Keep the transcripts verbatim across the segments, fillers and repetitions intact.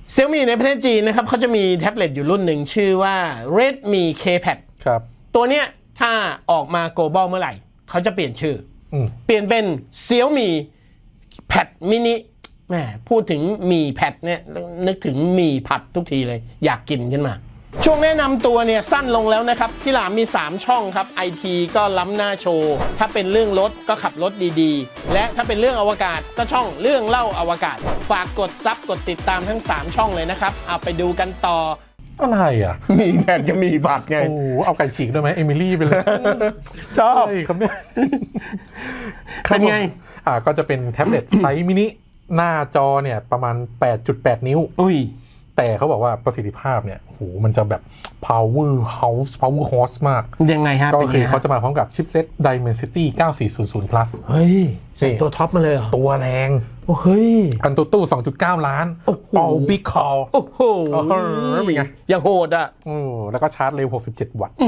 Xiaomi ในประเทศจีนนะครับเขาจะมีแท็บเล็ตอยู่รุ่นหนึ่งชื่อว่า Redmi K-Pad ครับตัวเนี้ยถ้าออกมา global เมื่อไหร่เขาจะเปลี่ยนชื่ออืเปลี่ยนเป็น Xiaomi Pad Mini แหมพูดถึงมีแพดเนี่ยนึกถึงมีผัดทุกทีเลยอยากกินขึ้นมาช่วงแนะนำตัวเนี่ยสั้นลงแล้วนะครับที่หลามมีสามช่องครับ ไอ ที ก็ล้ำหน้าโชว์ถ้าเป็นเรื่องรถก็ขับรถดีๆและถ้าเป็นเรื่องอวกาศก็ช่องเรื่องเล่าอวกาศฝากกดซับกดติดตามทั้งสามช่องเลยนะครับเอาไปดูกันต่ออะไรอ่ะมีแพดก็มีผัดไงโอ้เอาไก่ฉีกได้ไหมเอมิลี่ไปเลยชอบครับเนี่ยเป็นไงอ่าก็จะเป็นแท็บเล็ตไซส์มินิหน้าจอเนี่ยประมาณ แปดจุดแปด นิ้วอุ้ยแต่เขาบอกว่าประสิทธิภาพเนี่ยโหมันจะแบบ power house power horse มากยังไงฮะก็คือเขาจะมาพร้อมกับชิปเซ็ต Dimensity เก้าสี่ศูนย์ศูนย์ plus เฮ้ยตัวท็อปมาเลยเหรอตัวแรงโอ้เฮ้ยอันตู้ตู้ สองจุดเก้า ล้าน all big call โอ้โหเป็นไงอย่างโหดอ่ะโอ้แล้วก็ชาร์จเร็วหกสิบเจ็ดวัตต์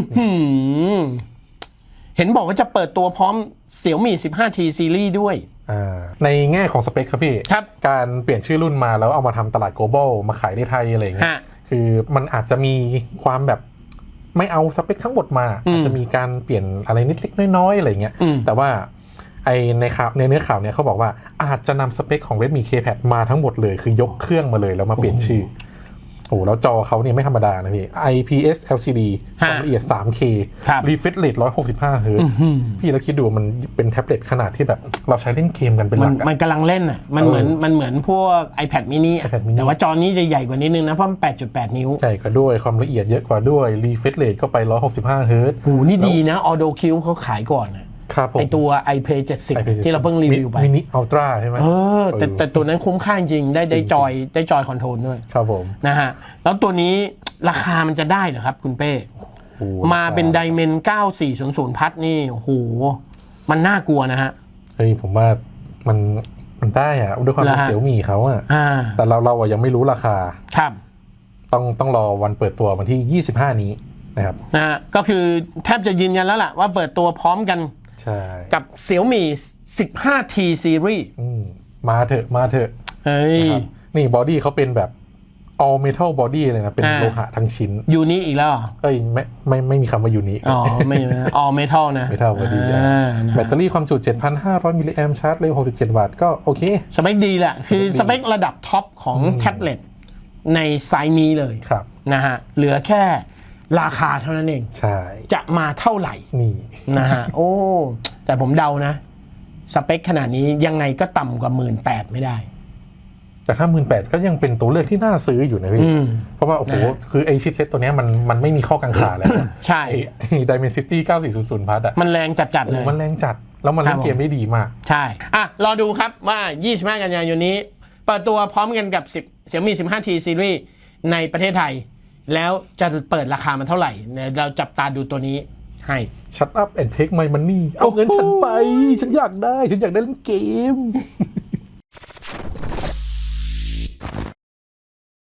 เห็นบอกว่าจะเปิดตัวพร้อม Xiaomi สิบห้า ที Series ด้วยในแง่ของสเปคครับพี่การเปลี่ยนชื่อรุ่นมาแล้วเอามาทำตลาด global มาขายในไทยอะไรอย่างเงี้ยคือมันอาจจะมีความแบบไม่เอาสเปคทั้งหมดมาอาจจะมีการเปลี่ยนอะไรนิดเล็กน้อยๆอะไรเงี้ยแต่ว่าไอในข่าวในเนื้อข่าวเนี่ยเขาบอกว่าอาจจะนำสเปคของ Redmi K-Pad มาทั้งหมดเลยคือยกเครื่องมาเลยแล้วมาเปลี่ยนชื่อโอ้แล้วจอเขาเนี่ยไม่ธรรมดานะพี่ ไอ พี เอส แอล ซี ดี ความละเอียด ทรี เค refresh rate หนึ่งร้อยหกสิบห้า เฮิร์ตซ์พี่แล้วคิดดูมันเป็นแท็บเล็ตขนาดที่แบบเราใช้เล่นเกมกันเป็นหลักมันกำลังเล่นอ่ะมันเหมือนมันเหมือนพวก iPad mini แต่ว่าจอนี้จะใหญ่กว่านิดนึงนะเพราะมัน แปดจุดแปด นิ้วใหญ่กว่าด้วยความละเอียดเยอะกว่าด้วย refresh rate ก็ไปหนึ่งร้อยหกสิบห้า เฮิร์ตซ์โหนี่ดีนะ Auto Q เขาขายก่อนอ่ะไอตัว iPad เจ็ดสิบที่เราเพิ่งรีวิวไป Mini Ultra ใช่ไหมเออแต่แต่ตัวนั้นคุ้มค่าจริงได้ได้จอยได้จอยคอนโทรลด้วยครับผมนะฮะแล้วตัวนี้ราคามันจะได้เหรอครับคุณเป้มาเป็นไดเมนเก้าสี่ศูนย์ศูนย์พัดนี่โอ้โหมันน่ากลัวนะฮะเฮ้ยผมว่ามันมันได้อะด้วยความเป็นเสี่ยวมี่เขาอะแต่เราเราอะยังไม่รู้ราคาครับต้องต้องรอวันเปิดตัววันที่ยี่สิบห้านี้นะครับนะฮะก็คือแทบจะยืนยันแล้วล่ะว่าเปิดตัวพร้อมกันใช่กับ Xiaomi สิบห้า ที Series มาเถอะมาเถอะเฮ้ยนี่บอดี้เขาเป็นแบบ all metal body เลยนะเป็นโลหะทั้งชิ้นยูนิอีกแล้วเอ้ยไม่ไม่ไม่มีคำว่ายูนิอ๋อไม่ all metal นะ metal body แบตเตอรี่ความจุ เจ็ดพันห้าร้อย มิลลิแอมป์ชาร์จเร็วหกสิบเจ็ดวัตต์ก็โอเคสเปคดีแหละคือสเปคระดับท็อปของแท็บเล็ตในไซส์นี้เลยนะฮะเหลือแค่ราคาเท่านั้นเองใช่จะมาเท่าไหร่นี่นะฮะโอ้แต่ผมเดานะสเปคขนาดนี้ยังไงก็ต่ำกว่า หนึ่งหมื่นแปดพัน ไม่ได้แต่ถ้า หนึ่งหมื่นแปดพัน ก็ยังเป็นตัวเลือกที่น่าซื้ออยู่นะพี่เพราะว่าโอ้โหคือไอชิปเซ็ตตัวนี้มันมันไม่มีข้อกังขาแล้วใช่ Dimensity เก้าสี่ศูนย์ศูนย์ plus อ่ะมันแรงจัดๆเลยมันแรงจัดแล้วมันเล่นเกมได้ดีมากใช่อ่ะรอดูครับว่ายี่สิบห้ากันยายนนี้เปิดตัวพร้อมกันกับสิบ Xiaomi สิบห้า ที Series ในประเทศไทยแล้วจะเปิดราคามันเท่าไหร่เราจับตาดูตัวนี้ให้ Shut up and take my money เอาเงินฉันไปฉันอยากได้ฉันอยากได้เล่นเกม